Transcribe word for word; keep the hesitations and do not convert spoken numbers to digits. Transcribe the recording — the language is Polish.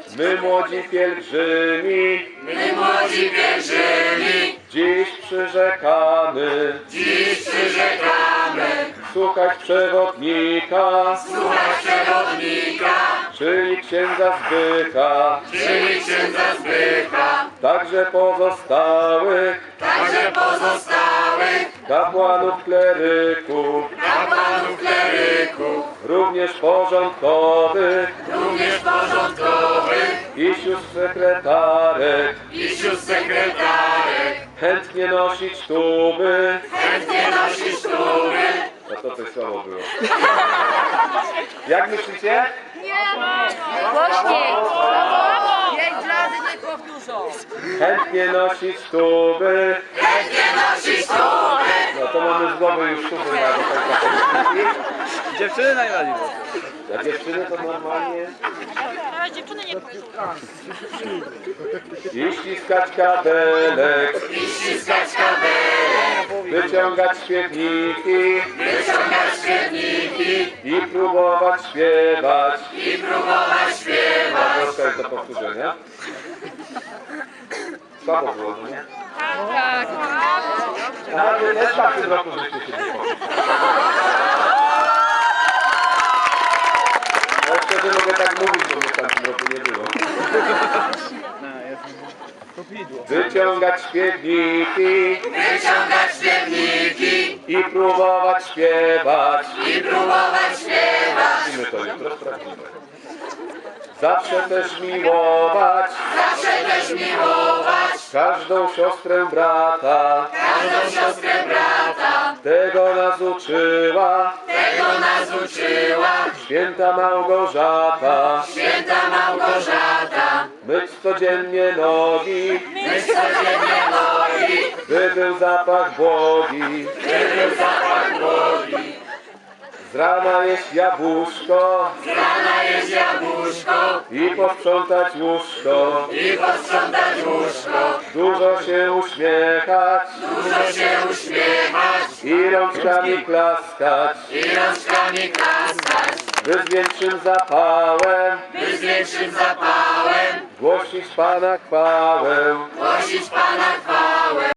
My młodzi pielgrzymi, my młodzi pielgrzymi, dziś przyrzekamy, dziś przyrzekamy, słuchać przewodnika, słuchać przewodnika, czyli księdza Zbycha, czyli księdza Zbycha, także pozostałych także pozostałych kapłanów kleryków, kapłanów kleryków, również porządkowych również porządkowych i sióstr sekretarek, i sióstr sekretarek, chętnie nosić tuby. chętnie nosić tuby. No to coś słabo było. Jak myślicie? Głośniej! Pięć razy nie powtórzą. Chętnie nosić tuby. Chętnie nosić tuby. No to mamy z głowy już tuby na do końca polityki. Dziewczyny najbardziej. A dziewczyny to normalnie. Ale dziewczyny nie pójdą. I ściskać kabelek, I ściskać kabelek, wyciągać śpiewniki wyciągać śpiewniki i próbować śpiewać. i próbować śpiewać. Troszkę jest do powtórzenia. Słabo było, no nie? Tak. Ale też tak w tym roku żeście się nie poszli. No wtedy mogę tak mówić, bo mnie w tamtym roku nie było. Wyciągać śpiewniki Wyciągać śpiewniki i próbować śpiewać. i próbować śpiewać. My to jutro sprawdzimy. Zawsze też miłować Zawsze też miłować każdą siostrę brata. każdą siostrę brata. Tego nas uczyła Tego nas uczyła święta Małgorzata. święta Małgorzata. Myć codziennie nogi, Myć codziennie nogi, by był zapach błogi. by był zapach błogi. Z rana jeść jabłuszko Z rana jeść jabłuszko i posprzątać łóżko. i posprzątać łóżko. Dużo się uśmiechać Dużo się uśmiechać i rączkami klaskać, i rączkami klaskać. by z większym zapałem By z większym zapałem głosić Pana chwałę. głosić Pana chwałę.